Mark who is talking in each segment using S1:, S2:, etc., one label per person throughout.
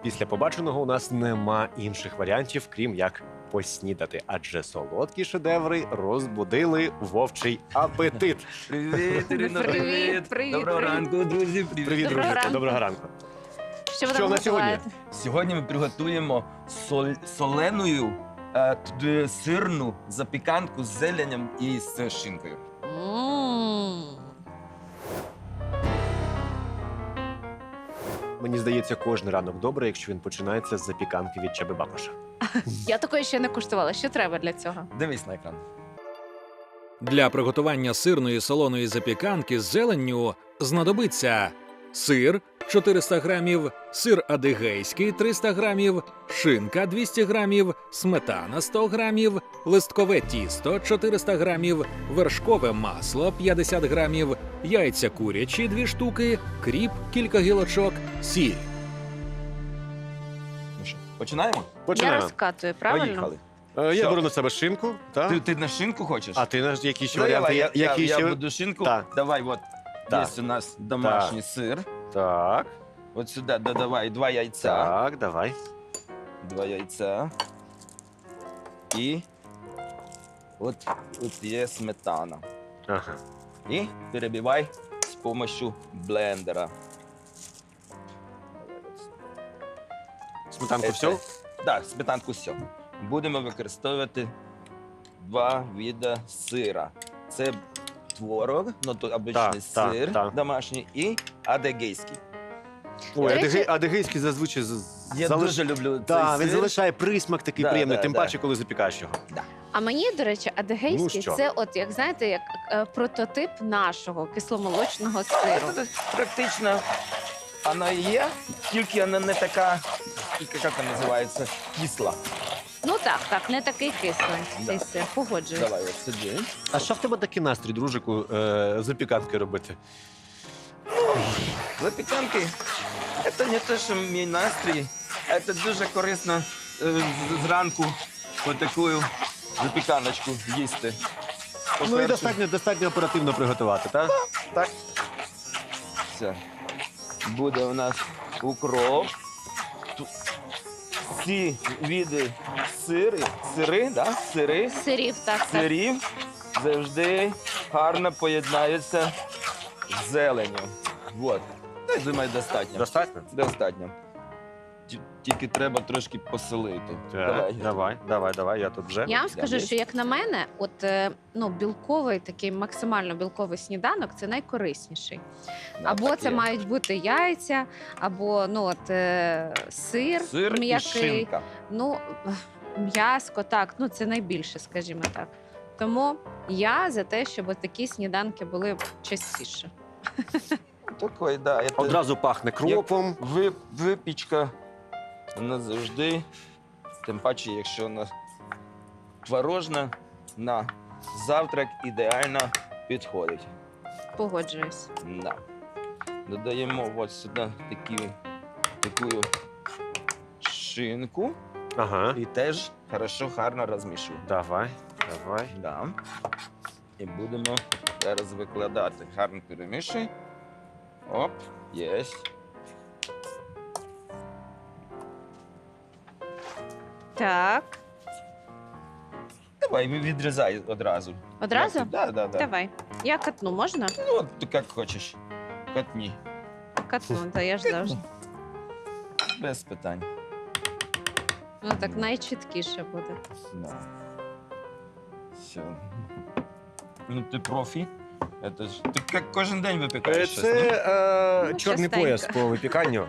S1: Після побаченого у нас нема інших варіантів, крім як поснідати, адже солодкі шедеври розбудили вовчий апетит.
S2: Привіт, Ірино,
S3: Привіт, привіт,
S2: Доброго
S3: привіт.
S2: ранку, друзі.
S1: Привіт,
S3: Доброго
S1: друзі,
S3: ранку.
S1: доброго ранку.
S3: Що ви
S1: Що
S3: там
S1: на сьогодні?
S3: готуєте?
S2: Сьогодні ми приготуємо соленою сирну запіканку з зеленням і з шинкою.
S3: М.
S1: Мені здається, кожен ранок добре, якщо він починається з запіканки від Чаби Бакоша.
S3: Я такої ще не куштувала. Що треба для цього?
S2: Дивись на екран.
S4: Для приготування сирної солоної запіканки з зеленню знадобиться сир 400 грамів, сир адигейський 300 грамів, шинка 200 грамів, сметана 100 грамів, листкове тісто 400 грамів, вершкове масло 50 грамів, яйця курячі 2 штуки, кріп кілька гілочок, сіль.
S2: Ну що, починаємо?
S3: Я
S1: Починаємо.
S3: розкатую, правильно?
S2: Поїхали.
S1: Я
S2: Що?
S1: беру на себе шинку, так?
S2: Ти на шинку хочеш?
S1: А ти наш які ще
S2: Ну,
S1: варіанти?
S2: давай,
S1: Які
S2: я
S1: ще?
S2: буду шинку.
S1: Так.
S2: Давай, от.
S1: Так.
S2: Є у нас домашній сир.
S1: Так,
S2: От сюди додавай 2 яйця.
S1: так, давай.
S2: 2 яйця. І от є сметана.
S1: Ага.
S2: І перебивай з допомогою блендера.
S1: Сметанку все?
S2: Так, сметанку все. Будемо використовувати 2 види сира. Це творог, ну то обичний
S1: Так,
S2: сир
S1: так.
S2: домашній і адегейський.
S1: Ой,
S3: До речі-
S1: адигейський зазвичай
S2: Я дуже люблю цей
S1: Так, він
S2: сир.
S1: залишає присмак такий
S2: Да,
S1: приємний,
S2: да,
S1: тим
S2: да.
S1: паче, коли запікаєш його.
S3: А мені, до речі, адигейський
S1: Ну, що?
S3: це, от як знаєте, як прототип нашого кисломолочного сиру.
S2: Це практично вона є, тільки вона не така, як вона називається, кисла.
S3: Ну так, не такий кислий
S2: Да.
S3: цей сир. Погоджуюсь.
S2: Давай, от сиди.
S1: А що в тебе такий настрій, дружику, запіканки робити?
S2: Запіканки – це не те, що мій настрій, а це дуже корисно зранку отаку запіканочку їсти.
S1: Ну і
S2: По-перше,
S1: достатньо оперативно приготувати, так? Так.
S2: все. Буде у нас укроп. Тут всі види
S3: Сирів, так.
S2: сирів завжди гарно поєднаються з зеленню. Вот. Я думаю, достатньо.
S1: Достатньо?
S2: Достатньо. Тільки треба трошки посолити.
S1: Давай, я тут вже.
S3: Я вам скажу,
S2: Далі.
S3: що як на мене, от білковий такий максимально білковий сніданок це найкорисніший. Або
S2: Так
S3: це
S2: є.
S3: мають бути яйця, або сир,
S2: Сир і
S3: м'який.
S2: шинка.
S3: Ну, м'яско, так, це найбільше, скажімо так. Тому я за те, щоб от такі сніданки були частіше.
S2: Такий, да. це
S1: Одразу пахне кропом.
S2: випічка, вона завжди, тим паче, якщо вона творожна, на завтрак ідеально підходить.
S3: Погоджуюсь.
S2: Да. Додаємо от сюди таку шинку
S1: Ага.
S2: і теж гарно розмішуємо.
S1: Давай.
S2: Да. І будемо зараз викладати. Гарно перемішуй. Оп, єсть.
S3: Так.
S2: Давай, відрізай одразу.
S3: Одразу?
S2: Так, да.
S3: Давай. Я катну, можна?
S2: Ну, от ти як хочеш. Катні.
S3: Катну, та я ж завжди.
S2: Без питань.
S3: Ну так найчіткіше буде.
S2: Да. Все. Ну, ти профі. Это ж... Ти як кожен день випікаєш щось, ні?
S1: Це
S3: Ну,
S1: чорний
S3: частенько.
S1: пояс по випіканню.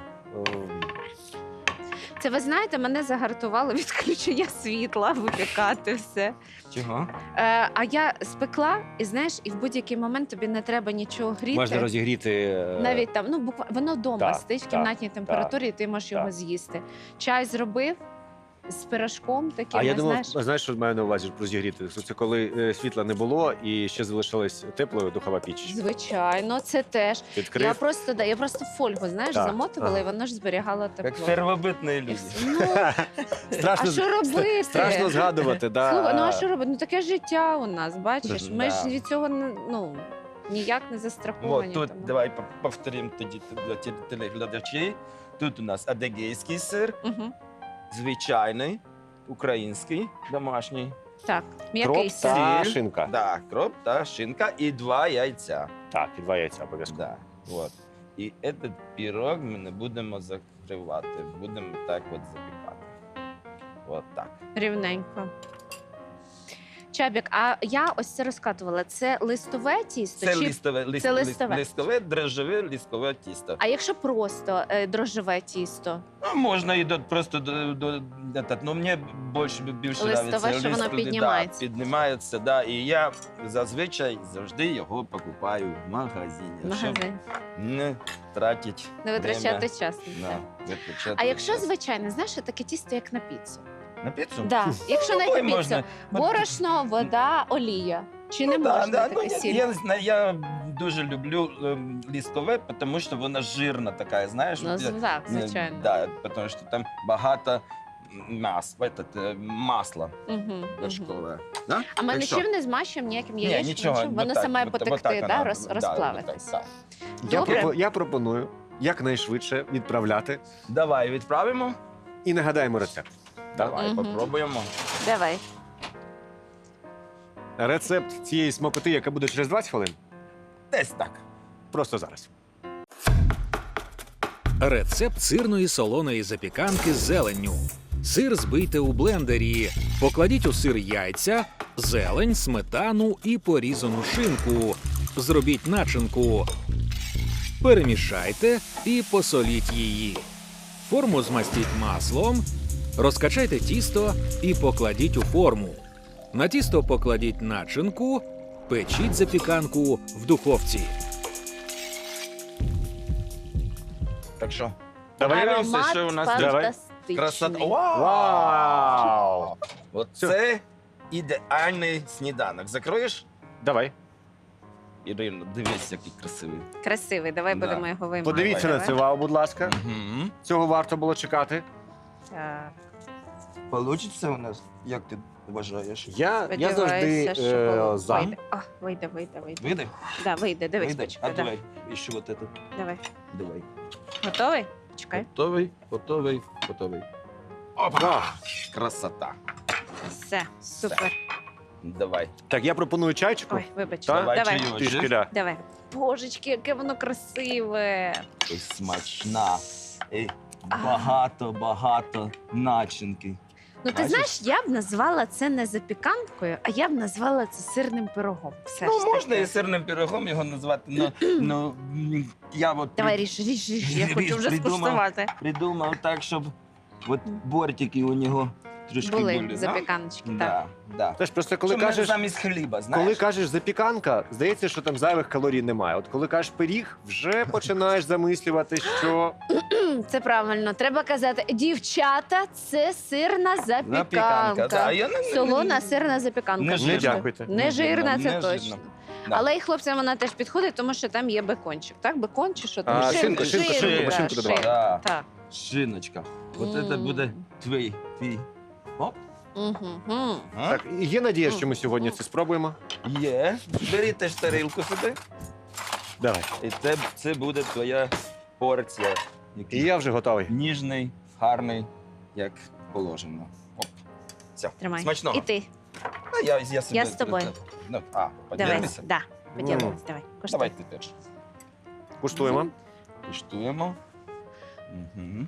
S3: Це ви знаєте, мене загартувало відключення світла, випікати все.
S2: Чого?
S3: А я спекла, і знаєш, і в будь-який момент тобі не треба нічого гріти.
S1: Можна розігріти.
S3: Навіть там, воно вдома
S1: Так,
S3: стоїть в
S1: так,
S3: кімнатній температурі, і ти можеш його
S1: так.
S3: з'їсти. Чай зробив з пирожком таким,
S1: А я думав,
S3: знаєш.
S1: що маю на увазі розігріти? Це коли світла не було і ще залишилась теплою духова піч.
S3: Звичайно, це теж.
S1: Відкрив.
S3: Я просто фольгу, знаєш,
S1: Так,
S3: замотувала,
S1: ага.
S3: і воно ж зберігало
S2: Як
S3: тепло.
S2: первобитні
S3: І
S2: люди.
S3: все. Ну, а що робити?
S1: Страшно згадувати, да.
S3: Слухай, а що робити? Таке життя у нас, бачиш? Ми ж
S2: Да.
S3: від цього ніяк не застраховані.
S2: Вот тут
S3: тому.
S2: давай повторимо тоді для телеглядачів. Тут у нас адегейський сир,
S3: Угу.
S2: звичайний, український, домашній.
S3: Так, м'який
S1: Кроп
S3: сир.
S1: та
S2: Сир.
S1: шинка.
S2: Да, кроп та шинка і 2 яйця.
S1: Так, і 2 яйця обов'язково.
S2: Да, вот. І этот пирог ми не будемо закривати, будемо так от запікати. От так.
S3: Рівненько. Чабік, а я ось це розкатувала. Це листове тісто?
S2: Це
S3: чи...
S2: листове,
S3: це листове.
S2: листове, дрожжеве, листове тісто.
S3: А якщо просто дрожжеве тісто?
S2: Ну, можна і просто ну, мені більше
S3: Листове,
S2: нравиться.
S3: що воно піднімається.
S2: Да, піднімається, да. І я зазвичай завжди його покупаю в магазині. Щоб
S3: Магазин.
S2: не тратити
S3: Не витрачати
S2: время
S3: час. на це.
S2: на витрачати
S3: А якщо
S2: час.
S3: звичайне, знаєш, таке тісто, як на піцу?
S2: На піцу?
S3: Да. Якщо не
S2: Ой,
S3: на піцу,
S2: можна.
S3: борошно, вода, олія. Чи не
S2: Ну, да,
S3: можна
S2: да,
S3: таке
S2: ну,
S3: сіль?
S2: я, не знаю, я дуже люблю ліскове, тому що вона жирна така, знаєш.
S3: Ну, так, звичайно.
S2: Да, тому що там багато масла
S3: Угу,
S2: вершкове. Да?
S3: А ми
S2: Так що?
S3: нічим не змащуємо, ніяким
S2: Ні,
S3: яєчним,
S2: нічого.
S3: нічим? Воно
S2: отак,
S3: саме
S2: от
S3: потекти,
S2: воно,
S3: да,
S2: да,
S3: розплавитись.
S2: отак.
S3: Добре.
S1: Я пропоную якнайшвидше відправляти
S2: Давай відправимо.
S1: і нагадаємо рецепт.
S2: Давай,
S3: Мгм.
S2: попробуємо.
S3: Давай.
S1: Рецепт цієї смакоти, яка буде через 20 хвилин,
S2: Десь так.
S1: просто зараз.
S4: Рецепт сирної солоної запіканки з зеленню. Сир збийте у блендері. Покладіть у сир яйця, зелень, сметану і порізану шинку. Зробіть начинку. Перемішайте і посоліть її. Форму змастіть маслом. Розкачайте тісто і покладіть у форму. На тісто покладіть начинку. Печіть запіканку в духовці.
S2: Так що,
S1: Давай.
S2: подивимося, що у нас тут.
S3: фантастичний.
S2: Красота.
S1: Вау!
S2: Оце ідеальний сніданок. Закроєш?
S1: Давай.
S2: Ірино, дивись, який красивий.
S3: Красивий, давай
S2: Да.
S3: будемо його виймати.
S1: Подивіться на
S3: Давай.
S1: це, вау, будь ласка.
S2: Угу.
S1: Цього варто було чекати.
S3: Так.
S2: Получиться у нас, як ти вважаєш?
S1: Я завжди
S3: Сподіваюся, що
S1: за.
S3: вийде. О, вийде.
S2: Вийде?
S3: Да, вийде, дивись,
S2: Вийде?
S3: почекай.
S2: А
S3: Да.
S2: давай, і що от це?
S3: Давай.
S2: Давай.
S3: Готовий? Чекай.
S2: Готовий.
S1: Да.
S2: Опа! Красота.
S3: Все, супер.
S2: Давай.
S1: Так, я пропоную чайчику.
S3: Ой, вибач.
S1: Так?
S2: Давай
S3: Давай.
S2: чайочок.
S1: Трішки, да.
S3: Давай. Божечки, яке воно красиве.
S2: Ой, смачна. І багато начинки.
S3: Ну, ти
S2: Бачиш?
S3: знаєш, я б назвала це не запіканкою, а я б назвала це сирним пирогом. Все
S2: Ну,
S3: ж
S2: можна
S3: таки.
S2: і сирним пирогом його назвати, ну я от
S3: Давай, ріж. Я хочу вже
S2: Придумав.
S3: скуштувати.
S2: придумав так, щоб от бортики у нього трошки були.
S3: Були запіканочки, так.
S2: Да.
S1: Теж просто коли
S2: Щоб не
S1: кажеш,
S2: замість хліба, знаєш?
S1: коли кажеш запіканка, здається, що там зайвих калорій немає. От коли кажеш пиріг, вже починаєш замислювати, що
S3: Це правильно. Треба казати, дівчата, це сирна запіканка.
S2: да.
S3: Солона сирна запіканка.
S2: Не
S1: не
S2: жирна.
S1: дякуйте.
S3: Не жирна, це
S2: Не
S3: точно.
S2: жирна. Да.
S3: Але і хлопцям вона теж підходить, тому що там є бекончик. Так, бекон чи що там?
S1: А, шинка,
S2: шинка,
S1: шинку додавали.
S2: Да.
S3: Так.
S2: Шиночка. От це
S3: М.
S2: буде твій. Оп.
S3: Угу.
S2: А?
S1: Так, і є надія, що ми сьогодні це спробуємо.
S2: Є. Бери теж тарілку сюди.
S1: Давай.
S2: І це буде твоя порція.
S1: І
S2: Який
S1: я вже готовий.
S2: ніжний, гарний, як положено. Оп. Все.
S3: Тримай.
S2: Смачного.
S3: І ти.
S2: Ну, я собі...
S3: Я з тобою.
S2: Ну,
S3: Давай.
S2: поділимося?
S3: Да. Поділимось. Давай. Коштуй.
S2: Давай ти теж.
S1: Куштуємо.
S2: Куштуємо. Угу.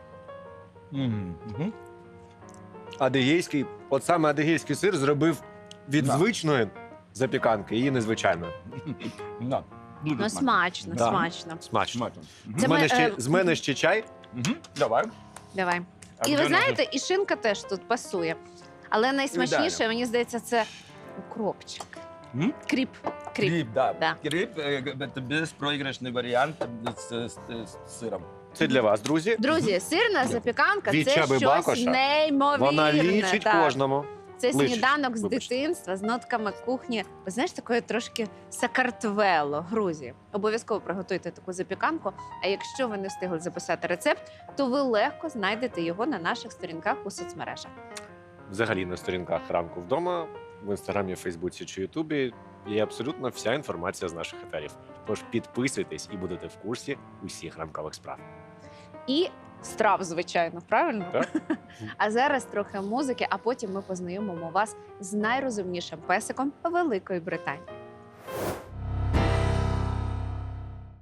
S2: Угу.
S1: Адигейський, от саме адигейський сир зробив від
S2: Да.
S1: звичної запіканки її незвичайною.
S2: Да. Дуже
S3: Ну, смачно,
S1: Да.
S3: смачно.
S1: Смачно.
S2: Смачно. Мгм.
S3: Це
S1: З мене,
S3: ми,
S1: ще, з мене ще чай.
S2: Мгм. Давай.
S3: Давай.
S2: А
S3: І
S2: вже
S3: ви знаєте, і шинка теж тут пасує. Але найсмачніше,
S2: Ідеально.
S3: мені здається, це укропчик.
S2: М?
S3: Кріп. Кріп.
S2: Кріп, да.
S3: Да.
S2: Кріп це безпроіграшний варіант з сиром.
S1: Це для вас, друзі.
S3: Друзі, сирна запіканка
S1: Від
S3: це
S1: Чаби
S3: щось
S1: Бакоша.
S3: неймовірне.
S1: Вона лічить
S3: так.
S1: кожному.
S3: Це
S1: Личить,
S3: сніданок з
S1: вибачте.
S3: дитинства, з нотками кухні. Ви знаєш, такої трошки Сакартвело, Грузії. Обов'язково приготуйте таку запіканку. А якщо ви не встигли записати рецепт, то ви легко знайдете його на наших сторінках у соцмережах.
S1: Взагалі на сторінках ранку вдома, в інстаграмі, Фейсбуці чи Ютубі є абсолютно вся інформація з наших етерів. Тож підписуйтесь і будете в курсі усіх ранкових справ.
S3: і страв, звичайно, правильно?
S1: Так.
S3: А зараз трохи музики, а потім ми познайомимо вас з найрозумнішим песиком Великої Британії.